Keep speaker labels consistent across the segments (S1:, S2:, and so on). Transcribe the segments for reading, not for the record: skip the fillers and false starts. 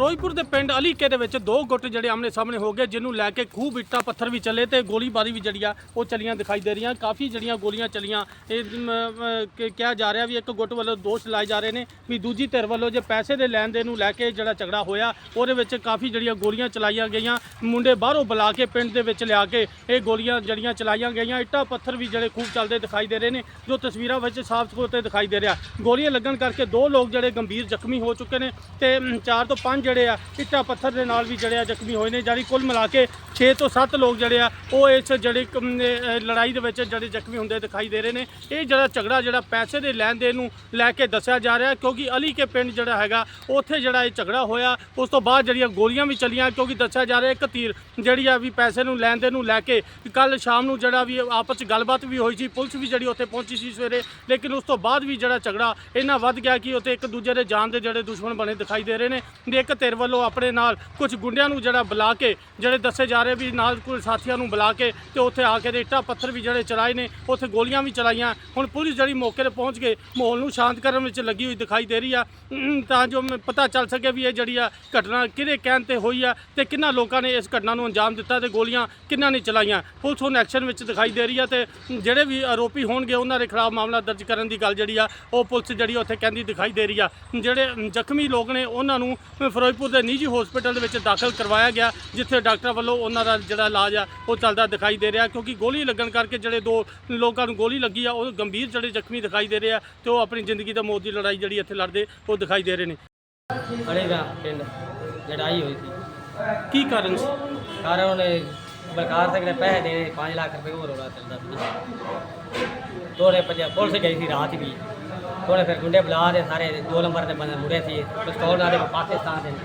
S1: ਫਿਰੋਜ਼ਪੁਰ ਦੇ ਪਿੰਡ ਅਲੀਕੇ ਦੇ ਵਿੱਚ ਦੋ ਗੁੱਟ ਜਿਹੜੇ ਆਮਣੇ ਸਾਹਮਣੇ ਹੋ ਗਏ, ਜਿਹਨੂੰ ਲੈ ਕੇ ਖੂਬ ਇੱਟਾਂ ਪੱਥਰ ਵੀ ਚੱਲੇ ਤੇ ਗੋਲੀਬਾਰੀ ਵੀ ਜਿਹੜੀ ਆ ਉਹ ਚੱਲੀਆਂ ਦਿਖਾਈ ਦੇ ਰਹੀਆਂ। ਕਾਫੀ ਜਿਹੜੀਆਂ ਗੋਲੀਆਂ ਚੱਲੀਆਂ, ਇਹ ਕਿਹਾ ਜਾ ਰਿਹਾ ਵੀ ਇੱਕ ਗੁੱਟ ਵੱਲੋਂ ਦੋਸ਼ ਲਾਏ ਜਾ ਰਹੇ ਨੇ ਵੀ ਦੂਜੀ ਧਿਰ ਵੱਲੋਂ ਜੇ ਪੈਸੇ ਦੇ ਲੈਣ ਦੇਣ ਨੂੰ ਲੈ ਕੇ ਜਿਹੜਾ ਝਗੜਾ ਹੋਇਆ ਉਹਦੇ ਵਿੱਚ ਕਾਫੀ ਜਿਹੜੀਆਂ ਗੋਲੀਆਂ ਚਲਾਈਆਂ ਗਈਆਂ। ਮੁੰਡੇ ਬਾਹਰੋਂ ਬੁਲਾ ਕੇ ਪਿੰਡ ਦੇ ਵਿੱਚ ਲਿਆ ਕੇ ਇਹ ਗੋਲੀਆਂ ਜਿਹੜੀਆਂ ਚਲਾਈਆਂ ਗਈਆਂ। ਇੱਟਾਂ ਪੱਥਰ ਵੀ ਜਿਹੜੇ ਖੂਬ ਚੱਲਦੇ ਦਿਖਾਈ ਦੇ ਰਹੇ ਨੇ, ਜੋ ਤਸਵੀਰਾਂ ਵਿੱਚ ਸਾਫ਼ ਤੌਰ ਤੇ ਦਿਖਾਈ ਦੇ ਰਿਹਾ। ਗੋਲੀਆਂ ਲੱਗਣ ਕਰਕੇ ਦੋ ਲੋਕ ਜਿਹੜੇ ਗੰਭੀਰ ਜ਼ਖਮੀ ਹੋ ਚੁੱਕੇ ਨੇ ਤੇ 4 ਤੋਂ 5 ਜਿਹੜੇ ਆ ਇੱਟਾਂ ਪੱਥਰ ਦੇ ਨਾਲ ਵੀ ਜਿਹੜੇ ਆ ਜ਼ਖਮੀ ਹੋਏ ਨੇ। ਜਾਨੀ ਕੁੱਲ ਮਿਲਾ ਕੇ 6 ਤੋਂ 7 ਲੋਕ ਜਿਹੜੇ ਆ ਉਹ ਇਸ ਜਿਹੜੀ ਲੜਾਈ ਦੇ ਵਿੱਚ ਜਿਹੜੇ ਜ਼ਖਮੀ ਹੁੰਦੇ ਦਿਖਾਈ ਦੇ ਰਹੇ ਨੇ। ਇਹ ਜਿਹੜਾ ਝਗੜਾ ਜਿਹੜਾ ਪੈਸੇ ਦੇ ਲੈਣ ਦੇਣ ਨੂੰ ਲੈ ਕੇ ਦੱਸਿਆ ਜਾ ਰਿਹਾ, ਕਿਉਂਕਿ ਅਲੀ ਕੇ ਪਿੰਡ ਜਿਹੜਾ ਹੈਗਾ ਉੱਥੇ ਜਿਹੜਾ ਇਹ ਝਗੜਾ ਹੋਇਆ। ਉਸ ਤੋਂ ਬਾਅਦ ਜਿਹੜੀਆਂ ਗੋਲੀਆਂ ਵੀ ਚੱਲੀਆਂ, ਕਿਉਂਕਿ ਦੱਸਿਆ ਜਾ ਰਿਹਾ ਇੱਕ ਧਿਰ ਜਿਹੜੀ ਆ ਵੀ ਪੈਸੇ ਨੂੰ ਲੈਣ ਦੇਣ ਨੂੰ ਲੈ ਕੇ ਕੱਲ ਸ਼ਾਮ ਨੂੰ ਜਿਹੜਾ ਵੀ ਆਪਸ 'ਚ ਗੱਲਬਾਤ ਵੀ ਹੋਈ ਸੀ। ਪੁਲਿਸ ਵੀ ਜਿਹੜੀ ਉੱਥੇ ਪਹੁੰਚੀ ਸੀ ਸਵੇਰੇ, ਲੇਕਿਨ ਉਸ ਤੋਂ ਬਾਅਦ ਵੀ ਜਿਹੜਾ ਝਗੜਾ ਇੰਨਾ ਵੱਧ ਗਿਆ ਕਿ ਉੱਥੇ ਇੱਕ ਦੂਜੇ ਦੇ ਜਾਨ ਦੇ ਜਿਹੜੇ ਦੁਸ਼ਮਣ ਬਣੇ ਦਿਖਾਈ ਦੇ ਰਹੇ ਨੇ। ਇੱਕ ਧਿਰ ਵੱਲੋਂ ਆਪਣੇ ਨਾਲ ਕੁਝ ਗੁੰਡਿਆਂ ਨੂੰ ਜਿਹੜਾ ਬੁਲਾ ਕੇ ਜਿਹੜੇ ਦੱਸੇ ਜਾ ਰਹੇ ਵੀ ਨਾਲ ਕੁਝ ਸਾਥੀਆਂ ਨੂੰ ਬੁਲਾ ਕੇ ਤੇ ਉੱਥੇ ਆ ਕੇ ਇੱਟਾਂ ਪੱਥਰ ਵੀ ਜਿਹੜੇ ਚਲਾਏ ਨੇ, ਉੱਥੇ ਗੋਲੀਆਂ ਵੀ ਚਲਾਈਆਂ। ਹੁਣ ਪੁਲਿਸ ਜਿਹੜੀ ਮੌਕੇ 'ਤੇ ਪਹੁੰਚ ਕੇ ਮਾਹੌਲ ਨੂੰ ਸ਼ਾਂਤ ਕਰਨ ਵਿੱਚ ਲੱਗੀ ਹੋਈ ਦਿਖਾਈ ਦੇ ਰਹੀ ਆ, ਤਾਂ ਜੋ ਪਤਾ ਚੱਲ ਸਕੇ ਵੀ ਇਹ ਜਿਹੜੀ ਆ ਘਟਨਾ ਕਿਹਦੇ ਕਹਿਣ 'ਤੇ ਹੋਈ ਆ ਤੇ ਕਿੰਨਾ ਲੋਕਾਂ ਨੇ ਇਸ ਘਟਨਾ ਨੂੰ ਅੰਜਾਮ ਦਿੱਤਾ ਤੇ ਗੋਲੀਆਂ ਕਿੰਨਾਂ ਨੇ ਚਲਾਈਆਂ। ਪੁਲਿਸ ਹੁਣ ਐਕਸ਼ਨ ਵਿੱਚ ਦਿਖਾਈ ਦੇ ਰਹੀ ਆ ਤੇ ਜਿਹੜੇ ਵੀ ਆਰੋਪੀ ਹੋਣਗੇ ਉਹਨਾਂ ਦੇ ਖਿਲਾਫ ਮਾਮਲਾ ਦਰਜ ਕਰਨ ਦੀ ਗੱਲ ਜਿਹੜੀ ਆ ਉਹ ਪੁਲਿਸ ਜਿਹੜੀ ਉੱਥੇ ਕਹਿੰਦੀ ਦਿਖਾਈ ਦੇ ਰਹੀ ਆ। ਜਿਹੜੇ ਜ਼ਖਮੀ ਲੋਕ ਨੇ ਉਹਨਾਂ ਨੂੰ ਫਿਰੋਜ਼ਪੁਰ ਦੇ ਨਿੱਜੀ ਹਸਪੀਟਲ ਦੇ ਵਿੱਚ ਦਾਖਲ ਕਰਵਾਇਆ ਗਿਆ, ਜਿੱਥੇ ਡਾਕਟਰ ਵੱਲੋਂ ਉਹਨਾਂ ਦਾ ਜਿਹੜਾ ਇਲਾਜ ਆ ਉਹ ਚੱਲਦਾ ਦਿਖਾਈ ਦੇ ਰਿਹਾ। ਕਿਉਂਕਿ ਗੋਲੀ ਲੱਗਣ ਕਰਕੇ ਜਿਹੜੇ ਦੋ ਲੋਕਾਂ ਨੂੰ ਗੋਲੀ ਲੱਗੀ ਆ ਉਹ ਗੰਭੀਰ ਜਿਹੜੇ ਜ਼ਖਮੀ ਦਿਖਾਈ ਦੇ ਰਹੇ ਆ ਤੇ ਉਹ ਆਪਣੀ ਜ਼ਿੰਦਗੀ ਤੇ ਮੌਤ ਦੀ ਲੜਾਈ ਜਿਹੜੀ ਇੱਥੇ ਲੜਦੇ ਉਹ ਦਿਖਾਈ ਦੇ ਰਹੇ ਨੇ।
S2: ਅੜੇਗਾ ਪਿੰਡ ਲੜਾਈ ਹੋਈ ਸੀ।
S1: ਕੀ ਕਾਰਨ ਸੀ?
S2: ਕਾਰਨ ਉਹਨੇ ਬਲਕਾਰ ਸਿੰਘ ਨੇ ਪੈਸੇ ਦੇਣੇ 5 ਲੱਖ ਰੁਪਏ ਹੋਰ ਰੌਲਾ ਚੱਲਦਾ ਸੀ। ਤੋੜੇ ਭੱਜਿਆ, ਪੁਲਿਸ ਗਈ ਸੀ ਰਾਤ ਵੀ। ਥੋੜੇ ਫਿਰ ਗੁੰਡੇ ਬੁਲਾ ਦੇ ਸਾਰੇ 2 ਨੰਬਰ ਦੇ ਬੰਦੇ ਮੁੜੇ ਸੀ, ਪਿਸਤੌਲ ਨਾਲ ਪਾਕਿਸਤਾਨ ਦੇ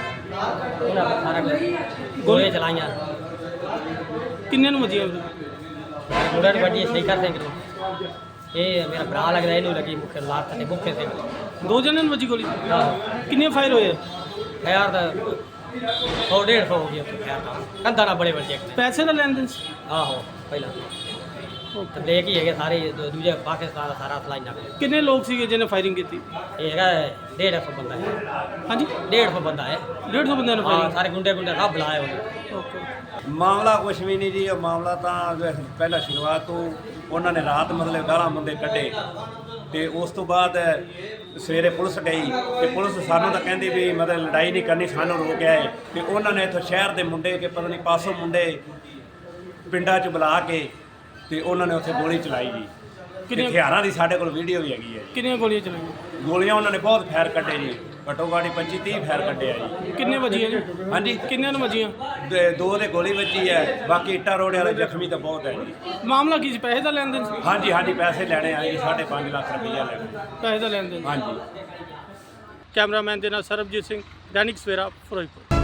S2: ਉਹਨਾਂ ਨੇ ਸਾਰਾ ਕੁਝ ਗੋਲੀਆਂ ਚਲਾਈਆਂ।
S1: ਕਿੰਨੇ ਨੂੰ ਵੱਜੀਆਂ?
S2: ਮੁੰਡੇ ਨੂੰ ਵੱਜੀ ਸ਼ੇਖਰ ਸਿੰਘ ਨੂੰ, ਇਹ ਮੇਰਾ ਭਰਾ ਲੱਗਦਾ, ਇਹਨੂੰ ਲੱਗੀ ਮੁੱਖ ਲਾਤ ਤੇ ਮੁੱਖੇ ਸਿੰਘ।
S1: 2 ਜਣਿਆਂ ਨੂੰ ਵੱਜੀ ਗੋਲੀ?
S2: ਆਹੋ।
S1: ਕਿੰਨੇ ਫਾਇਰ ਹੋਏ?
S2: ਖੈਰ ਤਾਂ 100-150 ਹੋ ਗਿਆ ਖੈਰ ਤਾਂ ਕੰਧਾਂ ਨਾਲ ਬੜੇ ਵੱਡੇ।
S1: ਪੈਸੇ ਦਾ ਲੈਣ ਦੇਣ ਸੀ?
S2: ਆਹੋ ਪਹਿਲਾਂ ਤੇ ਲੈ ਕੇ ਹੈਗੇ ਸਾਰੇ ਦੂਜੇ ਪਾਕਿਸਤਾਨ ਦਾ ਸਾਰਾ ਫਲਾਈ ਨਾਲ।
S1: ਕਿੰਨੇ ਲੋਕ ਸੀਗੇ ਜਿਹਨੇ ਫਾਇਰਿੰਗ ਕੀਤੀ?
S2: ਇਹ ਹੈਗਾ 150 ਬੰਦਾ ਹੈ।
S1: ਹਾਂਜੀ
S2: 150 ਬੰਦਾ ਹੈ।
S1: 150 ਬੰਦਿਆਂ ਨੇ
S2: ਹਾਂ
S1: ਫਾਇਰਿੰਗ?
S2: ਸਾਰੇ ਗੁੰਡੇ ਸਭ ਬੁਲਾਏ ਉਹਨੇ।
S1: ਓਕੇ।
S3: ਮਾਮਲਾ ਕੁਛ ਵੀ ਨਹੀਂ ਜੀ। ਉਹ ਮਾਮਲਾ ਤਾਂ ਪਹਿਲਾਂ ਸ਼ੁਰੂਆਤ ਤੋਂ ਉਹਨਾਂ ਨੇ ਰਾਤ ਮਤਲਬ ਗਾਲਾਂ ਮੁੰਡੇ ਕੱਢੇ ਤੇ ਉਸ ਤੋਂ ਬਾਅਦ ਸਵੇਰੇ ਪੁਲਿਸ ਗਈ ਤੇ ਪੁਲਿਸ ਸਾਨੂੰ ਤਾਂ ਕਹਿੰਦੀ ਵੀ ਮਤਲਬ ਲੜਾਈ ਨਹੀਂ ਕਰਨੀ, ਸਾਨੂੰ ਰੋਕਿਆ ਹੈ। ਤੇ ਉਹਨਾਂ ਨੇ ਇੱਥੋਂ ਸ਼ਹਿਰ ਦੇ ਮੁੰਡੇ ਕਿ ਪਤਾ ਨਹੀਂ ਪਾਸੋਂ ਮੁੰਡੇ ਪਿੰਡਾਂ 'ਚ ਬੁਲਾ ਕੇ ਤੇ ਉਹਨਾਂ ਨੇ ਉੱਥੇ ਗੋਲੀ ਚਲਾਈ ਜੀ।
S1: ਕਿੰਨੀਆਂ
S3: ਹਥਿਆਰਾਂ ਦੀ ਸਾਡੇ ਕੋਲ ਵੀਡੀਓ ਵੀ ਹੈਗੀ ਹੈ।
S1: ਕਿੰਨੀਆਂ ਗੋਲੀਆਂ ਚਲਾਈਆਂ?
S3: ਗੋਲੀਆਂ ਉਹਨਾਂ ਨੇ ਬਹੁਤ ਫਾਇਰ ਕੱਢੇ ਜੀ, ਘੱਟੋ ਘੱਟ 25-30 ਫਾਇਰ ਕੱਢੇ ਆ ਜੀ।
S1: ਕਿੰਨੇ ਵੱਜੀਆਂ ਜੀ?
S3: ਹਾਂਜੀ
S1: ਕਿੰਨਿਆਂ ਨੂੰ ਵੱਜੀਆਂ?
S3: 2 ਦੇ ਗੋਲੀ ਵੱਜੀ ਹੈ, ਬਾਕੀ ਇੱਟਾਂ ਰੋੜੇ ਵਾਲੇ ਜ਼ਖਮੀ ਤਾਂ ਬਹੁਤ ਹੈ ਜੀ।
S1: ਮਾਮਲਾ ਕੀ ਸੀ? ਪੈਸੇ ਦਾ ਲੈਣ ਦੇਣ ਸੀ?
S3: ਹਾਂਜੀ ਹਾਂਜੀ ਪੈਸੇ ਲੈਣੇ ਆਏ ਜੀ, 5.5 ਲੱਖ ਰੁਪਈਆ ਲੈਣਾ।
S1: ਪੈਸੇ ਦਾ ਲੈਣ ਦੇਣ।
S3: ਹਾਂਜੀ।
S1: ਕੈਮਰਾਮੈਨ ਦੇ ਨਾਲ ਸਰਬਜੀਤ ਸਿੰਘ, ਦੈਨਿਕ ਸਵੇਰਾ, ਫਿਰੋਜ਼ਪੁਰ।